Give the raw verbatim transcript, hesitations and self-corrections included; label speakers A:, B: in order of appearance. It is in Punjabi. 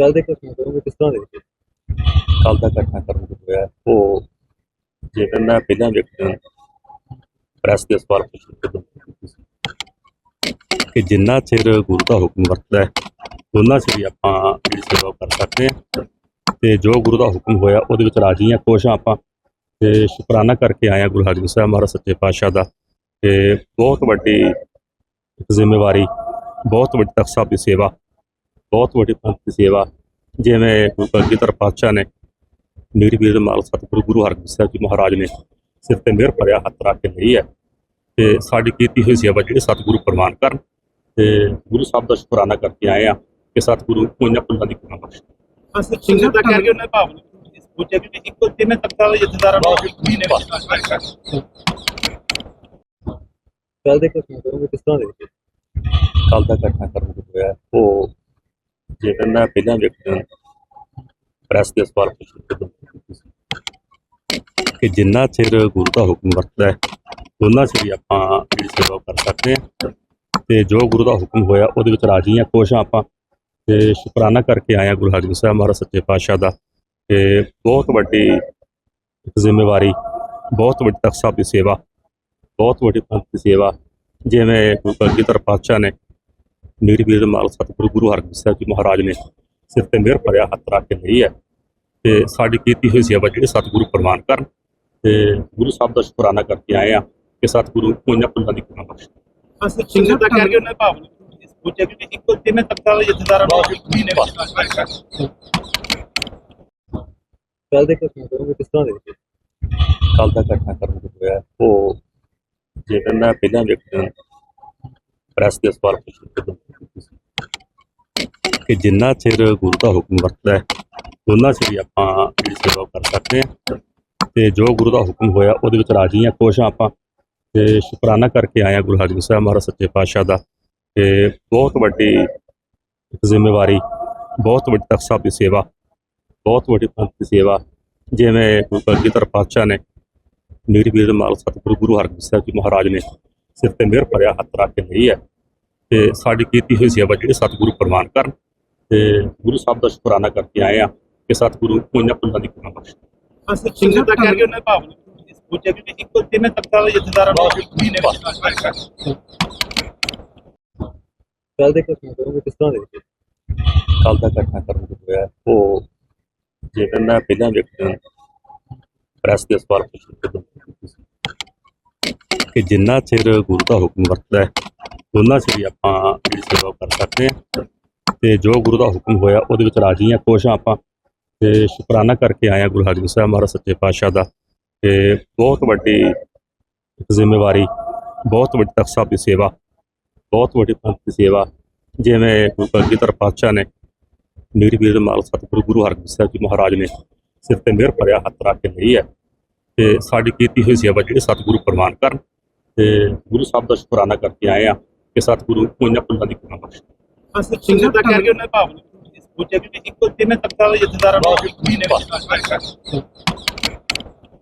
A: ਕੱਲ ਦੇ ਘਟਨਾ ਕਰੋਗੇ ਕਿਸ ਤਰ੍ਹਾਂ ਦੇਖਦੇ
B: ਕੱਲ ਦਾ ਘਟਨਾਕ੍ਰਮ ਜੋ ਹੋਇਆ ਉਹ ਜਿਹੜਾ ਮੈਂ ਪਹਿਲਾਂ ਵੇਖਿਆ ਪ੍ਰੈਸ ਦੇ ਸਵਾਲ ਪੁੱਛੇ ਕਿ ਜਿੰਨਾ ਚਿਰ ਗੁਰੂ ਦਾ ਹੁਕਮ ਵਰਤਦਾ ਹੈ ਉਹਨਾਂ ਚਿਰ ਹੀ ਆਪਾਂ ਜਿਹੜੀ ਸੇਵਾ ਕਰ ਸਕਦੇ ਹਾਂ ਤੇ ਜੋ ਗੁਰੂ ਦਾ ਹੁਕਮ ਹੋਇਆ ਉਹਦੇ ਵਿੱਚ ਰਾਜੀ ਹਾਂ, ਖੁਸ਼ ਹਾਂ ਆਪਾਂ ਤੇ ਸ਼ੁਕਰਾਨਾ ਕਰਕੇ ਆਏ ਹਾਂ ਗੁਰੂ ਹਰਗੋਬਿੰਦ ਸਾਹਿਬ ਮਹਾਰਾਜ ਸੱਚੇ ਪਾਤਸ਼ਾਹ ਦਾ। ਤੇ ਬਹੁਤ ਵੱਡੀ ਇੱਕ ਜ਼ਿੰਮੇਵਾਰੀ, ਬਹੁਤ ਵੱਡੀ ਤਖ਼ਤ ਸਾਹਿਬ ਦੀ ਸੇਵਾ, ਬਹੁਤ ਵੱਡੀ ਪੰਥ ਦੀ ਸੇਵਾ ਜਿਵੇਂ ਗੁਰੂ ਕਲਗੀਧਰ ਪਾਤਸ਼ਾਹ ਨੇ ਮੇਰੀ ਵੀਰ ਮਾਲ ਸਤਿਗੁਰੂ ਗੁਰੂ ਹਰਗੋਬਿੰਦ ਸਾਹਿਬ ਜੀ ਮਹਾਰਾਜ ਨੇ ਸਿਰ ਤੇ ਮਿਹਰ ਭਰਿਆ ਹੱਥ ਰੱਖ ਕੇ ਲਈ ਹੈ ਤੇ ਸਾਡੀ ਕੀਤੀ ਹੋਈ ਸੇਵਾ ਜਿਹੜੀ ਸਤਿਗੁਰੂ ਪ੍ਰਵਾਨ ਕਰਨ ਤੇ ਗੁਰੂ ਸਾਹਿਬ ਦਾ ਸ਼ੁਕਰਾਨਾ ਕਰਕੇ ਆਏ ਆ ਕਿ ਸਤਿਗੁਰੂ ਉਹਨਾਂ ਪੁੱਲਾਂ ਦੀ ਕਿਰਪਾ ਬਖਸ਼ੇ।
C: ਅਸੀਂ ਸਿੰਘ ਦਾ ਕਰਕੇ ਉਹਨਾਂ ਭਾਵ ਪੁੱਛਿਆ ਕਿ ਇੱਕੋ ਤਿੰਨ ਤਖਤਾਂ ਦੇ ਜਥੇਦਾਰਾਂ ਨੂੰ ਵੀ ਨੇ
A: ਕੱਲ ਦੇ ਘਟਨਾ ਕਰੋਗੇ ਕਿਸ ਤਰ੍ਹਾਂ ਦੇਖਦੇ
B: ਕੱਲ ਦਾ ਘਟਨਾਕ੍ਰਮ ਜੋ ਹੋਇਆ ਉਹ ਜਿਹੜਾ ਮੈਂ ਪਹਿਲਾਂ ਵੇਖਿਆ ਪ੍ਰੈਸ ਦੇ ਸਵਾਲ ਪੁੱਛੇ ਕਿ ਜਿੰਨਾ ਚਿਰ ਗੁਰੂ ਦਾ ਹੁਕਮ ਵਰਤਦਾ ਹੈ ਉਹਨਾਂ ਚਿਰ ਹੀ ਆਪਾਂ ਜਿਹੜੀ ਸੇਵਾ ਕਰ ਸਕਦੇ ਹਾਂ ਤੇ ਜੋ ਗੁਰੂ ਦਾ ਹੁਕਮ ਹੋਇਆ ਉਹਦੇ ਵਿੱਚ ਰਾਜੀ ਹਾਂ, ਖੁਸ਼ ਹਾਂ ਆਪਾਂ ਤੇ ਸ਼ੁਕਰਾਨਾ ਕਰਕੇ ਆਏ ਹਾਂ ਗੁਰੂ ਹਰਗੋਬਿੰਦ ਸਾਹਿਬ ਮਹਾਰਾਜ ਸੱਚੇ ਪਾਤਸ਼ਾਹ ਦਾ। ਤੇ ਬਹੁਤ ਵੱਡੀ ਇੱਕ ਜ਼ਿੰਮੇਵਾਰੀ, ਬਹੁਤ ਵੱਡੀ ਤਖ਼ਤ ਸਾਹਿਬ ਦੀ ਸੇਵਾ, ਬਹੁਤ ਵੱਡੀ ਪੰਥ ਦੀ ਸੇਵਾ ਜਿਵੇਂ ਗੁਰੂ ਕਲਗੀਧਰ ਪਾਤਸ਼ਾਹ ਨੇ ਮੇਰੀ ਵੀਰ ਮਾਲ ਸਤਿਗੁਰੂ ਗੁਰੂ ਹਰਗੋਬਿੰਦ ਸਾਹਿਬ ਜੀ ਮਹਾਰਾਜ ਨੇ ਸਿਰ ਤੇ ਮਿਹਰ ਭਰਿਆ ਹੱਥ ਰੱਖ ਕੇ ਲਈ ਹੈ ਤੇ ਸਾਡੀ ਕੀਤੀ ਹੋਈ ਸੇਵਾ ਜਿਹੜੀ ਸਤਿਗੁਰੂ ਪ੍ਰਵਾਨ ਕਰਨ ਤੇ ਗੁਰੂ ਸਾਹਿਬ ਦਾ ਸ਼ੁਕਰਾਨਾ ਕਰਕੇ ਆਏ ਆ ਕਿ ਸਤਿਗੁਰੂ ਉਹਨਾਂ ਪੁੱਲਾਂ ਦੀ ਕਿਰਪਾ ਬਖਸ਼ੇ।
C: ਅਸੀਂ ਸਿੰਘ ਦਾ ਕਰਕੇ ਉਹਨਾਂ ਭਾਵ ਪੁੱਛਿਆ ਕਿ ਇੱਕੋ ਤਿੰਨ ਤਖਤਾਂ ਦੇ ਜਥੇਦਾਰਾਂ ਨੂੰ ਵੀ ਨੇ
A: ਕੱਲ ਦੇ ਘਟਨਾ ਕਰੋਗੇ ਕਿਸ ਤਰ੍ਹਾਂ ਦੇਖਦੇ
B: ਕੱਲ ਦਾ ਘਟਨਾਕ੍ਰਮ ਜੋ ਹੋਇਆ ਉਹ ਜਿਹੜਾ ਮੈਂ ਪਹਿਲਾਂ ਵੇਖਿਆ ਪ੍ਰੈਸ ਦੇ ਸਵਾਲ ਪੁੱਛੇ ਕਿ ਜਿੰਨਾ ਚਿਰ ਗੁਰੂ ਦਾ ਹੁਕਮ ਵਰਤਦਾ ਹੈ ਉਹਨਾਂ ਚਿਰ ਹੀ ਆਪਾਂ ਜਿਹੜੀ ਸੇਵਾ ਕਰ ਸਕਦੇ ਹਾਂ ਤੇ ਜੋ ਗੁਰੂ ਦਾ ਹੁਕਮ ਹੋਇਆ ਉਹਦੇ ਵਿੱਚ ਰਾਜੀ ਹਾਂ, ਖੁਸ਼ ਹਾਂ ਆਪਾਂ ਤੇ ਸ਼ੁਕਰਾਨਾ ਕਰਕੇ ਆਏ ਹਾਂ ਗੁਰੂ ਹਰਗੋਬਿੰਦ ਸਾਹਿਬ ਮਹਾਰਾਜ ਸੱਚੇ ਪਾਤਸ਼ਾਹ ਦਾ। ਤੇ ਬਹੁਤ ਵੱਡੀ ਇੱਕ ਜ਼ਿੰਮੇਵਾਰੀ, ਬਹੁਤ ਵੱਡੀ ਤਖ਼ਤ ਸਾਹਿਬ ਦੀ ਸੇਵਾ, ਬਹੁਤ ਵੱਡੀ ਪੰਥ ਦੀ ਸੇਵਾ ਜਿਵੇਂ ਗੁਰੂ ਕਲਗੀਧਰ ਪਾਤਸ਼ਾਹ ਨੇ ਮੇਰੀ ਵੀਰ ਮਾਲ ਸਤਿਗੁਰੂ ਗੁਰੂ ਹਰਗੋਬਿੰਦ ਸਾਹਿਬ ਜੀ ਮਹਾਰਾਜ ਨੇ ਸਿਰ ਤੇ ਮਿਹਰ ਭਰਿਆ ਹੱਥ ਰੱਖ ਕੇ ਲਈ ਹੈ ਤੇ ਸਾਡੀ ਕੀਤੀ ਹੋਈ ਸੇਵਾ ਜਿਹੜੀ ਸਤਿਗੁਰੂ ਪ੍ਰਵਾਨ ਕਰਨ ਤੇ ਗੁਰੂ ਸਾਹਿਬ ਦਾ ਸ਼ੁਕਰਾਨਾ ਕਰਕੇ ਆਏ ਆ ਕਿ ਸਤਿਗੁਰੂ ਉਹਨਾਂ ਪੁੱਲਾਂ ਦੀ ਕਿਰਪਾ ਬਖਸ਼ੇ।
C: ਅਸੀਂ ਸਿੰਘ ਦਾ ਕਰਕੇ ਉਹਨਾਂ ਭਾਵ ਪੁੱਛਿਆ ਕਿ ਇੱਕੋ ਤਿੰਨ ਤਖਤਾਂ ਦੇ ਜਥੇਦਾਰਾਂ ਨੂੰ ਵੀ ਨੇ
A: ਕੱਲ ਦੇ ਘਟਨਾ ਕਰੋਗੇ ਕਿਸ ਤਰ੍ਹਾਂ ਦੇਖਦੇ
B: ਕੱਲ ਦਾ ਘਟਨਾਕ੍ਰਮ ਜੋ ਹੋਇਆ ਉਹ ਜਿਹੜਾ ਮੈਂ ਪਹਿਲਾਂ ਵੇਖਿਆ ਪ੍ਰੈਸ ਦੇ ਸਵਾਲ ਪੁੱਛੇ ਕਿ ਜਿੰਨਾ ਚਿਰ ਗੁਰੂ ਦਾ ਹੁਕਮ ਵਰਤਦਾ ਹੈ ਉਹਨਾਂ ਚਿਰ ਹੀ ਆਪਾਂ ਜਿਹੜੀ ਸੇਵਾ ਕਰ ਸਕਦੇ ਹਾਂ ਤੇ ਜੋ ਗੁਰੂ ਦਾ ਹੁਕਮ ਹੋਇਆ ਉਹਦੇ ਵਿੱਚ ਰਾਜੀ ਹਾਂ, ਖੁਸ਼ ਹਾਂ ਆਪਾਂ ਤੇ ਸ਼ੁਕਰਾਨਾ ਕਰਕੇ ਆਏ ਹਾਂ ਗੁਰੂ ਹਰਗੋਬਿੰਦ ਸਾਹਿਬ ਮਹਾਰਾਜ ਸੱਚੇ ਪਾਤਸ਼ਾਹ ਦਾ। ਤੇ ਬਹੁਤ ਵੱਡੀ ਇੱਕ ਜ਼ਿੰਮੇਵਾਰੀ, ਬਹੁਤ ਵੱਡੀ ਤਖ਼ਤ ਸਾਹਿਬ ਦੀ ਸੇਵਾ, ਬਹੁਤ ਵੱਡੀ ਪੰਥ ਦੀ ਸੇਵਾ ਜਿਵੇਂ ਗੁਰੂ ਕਲਗੀਧਰ ਪਾਤਸ਼ਾਹ ਨੇ ਮੇਰੀ ਵੀਰ ਮਾਲ ਸਤਿਗੁਰੂ ਗੁਰੂ ਹਰਗੋਬਿੰਦ ਸਾਹਿਬ ਜੀ ਮਹਾਰਾਜ ਨੇ ਸਿਰ ਤੇ ਮਿਹਰ ਭਰਿਆ ਹੱਥ ਰੱਖ ਕੇ ਲਈ ਹੈ ਤੇ ਸਾਡੀ ਕੀਤੀ ਹੋਈ ਸੇਵਾ ਜਿਹੜੀ ਸਤਿਗੁਰੂ ਪ੍ਰਵਾਨ ਕਰਨ ਤੇ ਗੁਰੂ ਸਾਹਿਬ ਦਾ ਸ਼ੁਕਰਾਨਾ ਕਰਕੇ ਆਏ ਆ ਕਿ ਸਤਿਗੁਰੂ ਉਹਨਾਂ ਪੁੱਲਾਂ ਦੀ ਕਿਰਪਾ ਬਖਸ਼ੇ।
C: ਅਸੀਂ ਸਿੰਘ ਦਾ ਕਰਕੇ ਉਹਨਾਂ ਭਾਵ ਪੁੱਛਿਆ ਕਿ ਇੱਕੋ ਤਿੰਨ ਤਖਤਾਂ ਦੇ ਜਥੇਦਾਰਾਂ ਨੂੰ ਵੀ ਨੇ